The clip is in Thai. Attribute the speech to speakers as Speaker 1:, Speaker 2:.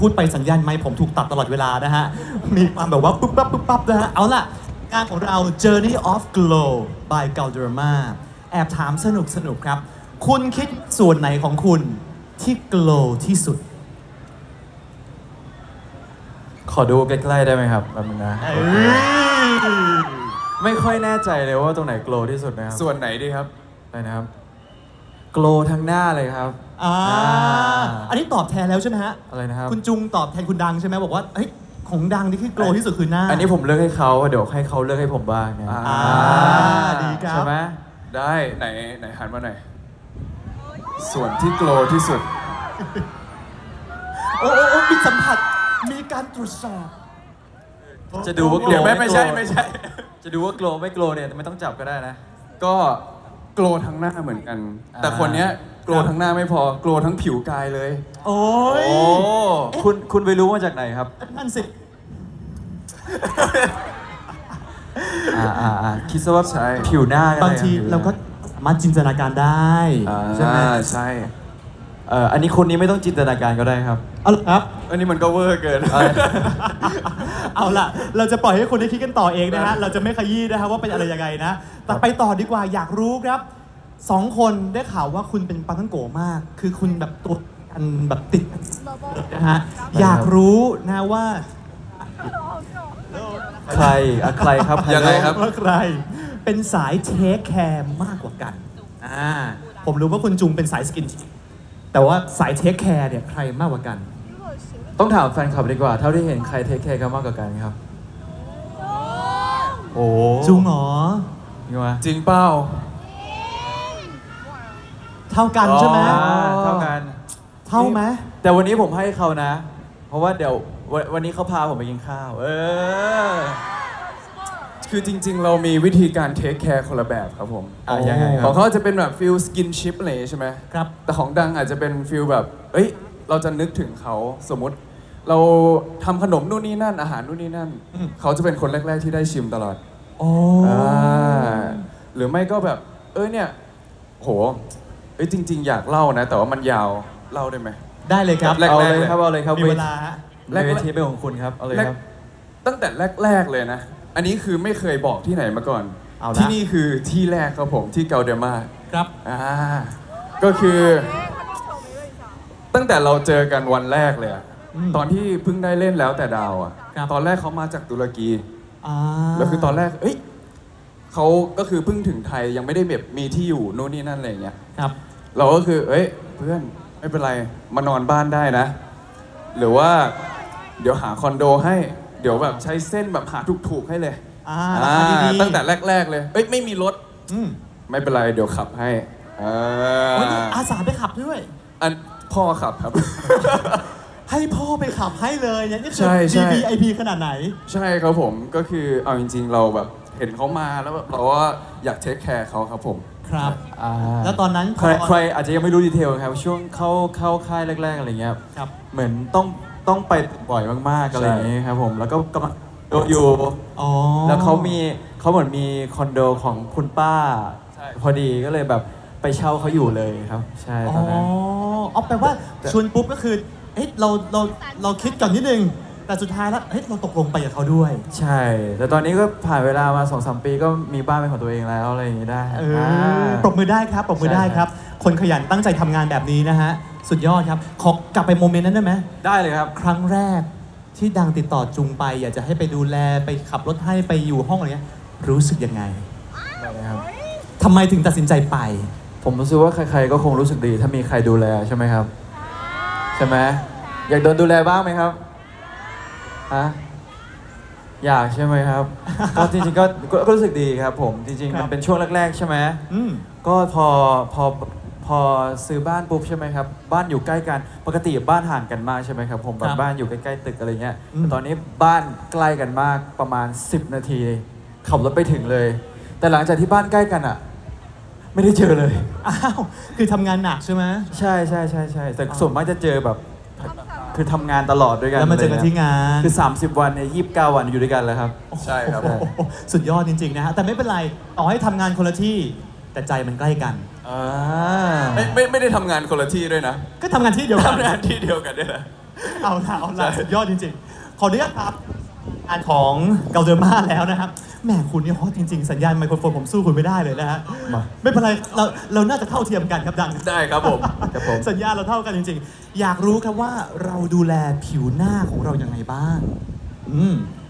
Speaker 1: พูดไปสัญญาณไมค์ผมถูกตัดตลอดเวลานะฮะ มีความแบบว่าปุ๊บปั๊บปุ๊บปั๊บนะฮะ เอาล่ะงานของเรา Journey of Glow by Galderma แอบถามสนุกครับ คุณคิดส่วนไหนของคุณที่ glow ที่สุด
Speaker 2: ขอดูใกล้ๆได้ไหมครับแบบนึงนะ ไม่ค่อยแน่ใจเลยว่าตรงไหนโกลที่สุดนะครับ
Speaker 3: ส่วนไหนดีครับ
Speaker 2: อะไรนะครับโกลทั้งหน้าเลยครับ
Speaker 1: อันนี้ตอบแทนแล้วใช่ไหมฮะ
Speaker 2: อะไรนะครับ
Speaker 1: คุณจุงตอบแทนคุณดังใช่ไหมบอกว่าเฮ้ยของดังนี่คือ glow ที่สุดคือหน้า
Speaker 2: อันนี้ผมเลือกให้เขาเดี๋ยวให้เขาเลือกให้ผมบ้างเนี่ย
Speaker 1: ดีครับ
Speaker 2: ใช่ไหม
Speaker 3: ได้ไหนหันมาหน่อยส่วนที่โกลที่สุด
Speaker 1: โอ้มีสัมผัส มีการตรวจสอบ
Speaker 2: จะดูว่าโกล
Speaker 3: เดี๋ยวไม่ใช่
Speaker 2: จะดูว่าโกลไม่โกลเนี่ยไม่ต้องจับก็ได้นะ
Speaker 3: ก็โกลทั้งหน้าเหมือนกัน แต่
Speaker 2: อ่า
Speaker 3: คนเนี้ยโกลทั้งหน้าไม่พอโกลทั้งผิวกายเลย
Speaker 1: โอ้ย
Speaker 2: โอ้คุณไปรู้มาจากไหนครับ
Speaker 1: นั่นสิ
Speaker 2: คิดซะว่า
Speaker 3: ใช่
Speaker 2: ผิวหน้าก็ได้
Speaker 1: บางที
Speaker 2: ผิวหน้
Speaker 1: เราก็สามารถจินตนาการได้
Speaker 2: ใช่ไหม
Speaker 3: ใช่
Speaker 2: อันนี้คนนี้ไม่ต้องจินตนาการก็ได้ครับ
Speaker 1: เอาละครับ
Speaker 3: อันนี้มันก็เวอร์เกิน
Speaker 1: เอาล่ะ เราจะปล่อยให้คุณได้คิดกันต่อเองนะฮะ เราจะไม่ขยี้นะฮะว่าเป็นอะไรยังไงนะ แต่ไปต่อดีกว่าอยากรู้ครับสองคนได้ข่าวว่าคุณเป็นปังทั้งโกมาก คือคุณแบบตัวอันแบบติดนะฮะ อยากรู้นะว่า
Speaker 2: ใครใครครับ
Speaker 3: ยังไงครับ
Speaker 1: ว่าใครเป็นสายเทคแคร์มากกว่ากันผมรู้ว่าคุณจุงเป็นสายสกินแต่ว่าสายเทคแคร์เนี่ยใครมากกว่ากัน
Speaker 2: ต้องถามแฟนคลับดีกว่า เท่าที่เห็นใครเทคแคร์กันมากกว่ากันครับ โอ้
Speaker 1: จุงเหรอ
Speaker 2: ยังไง
Speaker 3: จริงเป้า
Speaker 1: เท่ากันใช่ไหม
Speaker 2: เท่ากัน
Speaker 1: เท่าไหม
Speaker 2: แต่วันนี้ผมให้เขานะ เพราะว่าเดี๋ยววันนี้เขาพาผมไปกินข้าว
Speaker 3: คือจริง ๆ เรามีวิธีการเทคแคร์คนละแบบครับผม
Speaker 2: ยังไงค
Speaker 3: ข
Speaker 2: รั
Speaker 3: อบ งเขาจะเป็นแบบฟิลสกินชิพอะไรใช่ไหม
Speaker 1: ครับ
Speaker 3: แต่ของดังอาจจะเป็นฟิลแบบ เอ้ย เราจะนึกถึงเขาสมมติ เราทำขนมนู่นนี่นั่นอาหารนู่นนี่นั่น เขาจะเป็นคนแรก ๆ ที่ได้ชิมตลอด
Speaker 1: โอ้
Speaker 3: หรือไม่ก็แบบ เนี่ย โห จริง ๆ อยากเล่านะ แต่ว่ามันยาว เล่าได้ไหม
Speaker 1: ได้เลยครับ
Speaker 3: แรกๆ
Speaker 2: เอาเลยครับ เอาเลยครับ
Speaker 1: มีเวลาฮะ
Speaker 2: เวทีเป็นของคุณครับ เอาเลยครับ
Speaker 3: ตั้งแต่แรก ๆ เลยนะ อันนี้คือไม่เคยบอกที่ไหนมาก่อน
Speaker 1: เอาละ
Speaker 3: ที่นี่คือที่แรกครับผมที่เกาเดมา
Speaker 1: ครับ
Speaker 3: ก็คือ ตั้งแต่เราเจอกันวันแรกเลยอะ
Speaker 1: อืม
Speaker 3: ตอนที่เพิ่งได้เล่นแล้วแต่ดาวอะ
Speaker 1: ครับ
Speaker 3: ตอนแรกเขามาจากตุรกี
Speaker 1: อ่า
Speaker 3: แล้วคือตอนแรกเขาก็คือเพิ่งถึงไทยยังไม่ได้แบบมีที่อยู่นู่นนี่นั่นอะไรอย่างเงี้ย
Speaker 1: ครับ
Speaker 3: เราก็คือเพื่อนไม่เป็นไรมานอนบ้านได้นะ หรือว่าเดี๋ยวหาคอนโดให้ เดี๋ยวแบบใช้เส้นแบบหาถูกๆให้เลย
Speaker 1: ราคาดีๆ
Speaker 3: ตั้งแต่แรก ๆ เลย ไม่มีรถ
Speaker 1: อืม
Speaker 3: ไม่เป็นไรเดี๋ยวขับให้
Speaker 1: โอ้ยนี่อาสาไปขับด้วย
Speaker 3: อันพ่อขับครับ
Speaker 1: ให้พ่อไปขับให้เลยเนี่ยนี่คื
Speaker 3: ใช่ใช่
Speaker 1: VIP ขนาดไหน
Speaker 3: ใช่ครับผมก็คือเอาจริง ๆ เราแบบเห็นเขามาแล้วแบบเราว่าอยากเทคแคร์เขาครับผม
Speaker 1: ครับ แล้วตอนนั้น
Speaker 2: ใครอาจจะยังไม่รู้ดีเทลครับช่วงเข้าค่ายแรกๆอะไรเงี้ย
Speaker 1: ครับ
Speaker 2: เหมือนต้องไปบ่อยมากๆอะไรอย่างเงี้ยครับผมแล้วก็กำลังอยู่
Speaker 1: อ๋อ
Speaker 2: แล้วเขาเหมือนมีคอนโดของคุณป้า พอดีก็เลยแบบไปเช่าเขาอยู่เลยครับ ใช่
Speaker 1: อ๋
Speaker 2: ตอนนั้น
Speaker 1: อแปลว่าชวนปุ๊บก็คือเฮ้ยเราคิดก่อนนิดนึง แต่สุดท้ายแล้วเฮ้ยเราตกลงไปกับเขาด้วย
Speaker 2: ใช่ แต่ตอนนี้ก็ผ่านเวลามา 2-3 ปีก็มีบ้านเป็นของตัวเองแล้วอะไรอย่างงี้ได้
Speaker 1: ปรบมือได้ครับปรบมือได้ครับ คนขยันตั้งใจทำงานแบบนี้นะฮะ สุดยอดครับ ขอกลับไปโมเมนต์นั้นได้ไหม
Speaker 2: ได้เลยครับ
Speaker 1: ครั้งแรกที่ดังติดต่อจุงไป อยากจะให้ไปดูแลไปขับรถให้ไปอยู่ห้องอะไรเงี้ยรู้สึกยังไง
Speaker 2: ได้เลยครับ
Speaker 1: ทำไมถึงตัดสินใจไป
Speaker 2: ผมรู้สึกว่าใครๆก็คงรู้สึกดีถ้ามีใครดูแลใช่ไหมครับ ใช่ไหมอยากโดนดูแลบ้างไหมครับฮะอยากใช่ไหมครับ ก็จริงๆก็รู้สึกดีครับผมจริงๆ
Speaker 1: ครั
Speaker 2: มั
Speaker 1: บ
Speaker 2: นเป็นช่วงแรกๆใช่ไหม
Speaker 1: อืม
Speaker 2: ก็พอซื้อบ้านปุ๊บใช่ไหมครับบ้านอยู่ใกล้กันปกติบ้านห่างกันมากใช่ไหมครับผมแบ
Speaker 1: ครับ บ
Speaker 2: บ้านอยู่ใกล้ๆตึกอะไรเงี้ย
Speaker 1: อืม
Speaker 2: แต่ตอนนี้บ้านใกล้กันมากประมาณ10 นาทีขับรถไปถึงเลย แต่หลังจากที่บ้านใกล้กันอ่ะ ไม่ได้เจอเลย
Speaker 1: อ้าวคือทำงานหนักใช่ไหม
Speaker 2: ใช่แต่ส่วนมากจะเจอแบบคือทำงานตลอดด้วยกัน
Speaker 1: แล้วมาเจอกันที่งาน
Speaker 2: คือ30 วันเนี่ย29 วันอยู่ด้วยกันแล้วครับ
Speaker 3: ใช่ครับ
Speaker 1: โอ้โหสุดยอดจริงๆนะฮะแต่ไม่เป็นไรต่อให้ทำงานคนละที่แต่ใจมันใกล้กัน
Speaker 3: ไม่ได้ทำงานคนละที่ด้วยนะ
Speaker 1: ก็ทำงานที่เดียวกัน
Speaker 3: ทำงานที่เดียวกันด้วยนะ
Speaker 1: เอาละสุดยอดจริงๆ ขออนุญาตครับงานของเกาเดอร์มาแล้วนะครับแหมคุณนี่ฮอตจริง ๆ สัญญาณไมโครโฟนผมสู้คุณไม่ได้เลยนะฮะ
Speaker 2: มา
Speaker 1: ไม่เป็นไรเราน่าจะเท่าเทียมกันครับดัง
Speaker 3: ได้ครับผม
Speaker 2: ครับผม
Speaker 1: สัญญาณเราเท่ากันจริง ๆ อยากรู้ครับว่าเราดูแลผิวหน้าของเรายังไงบ้าง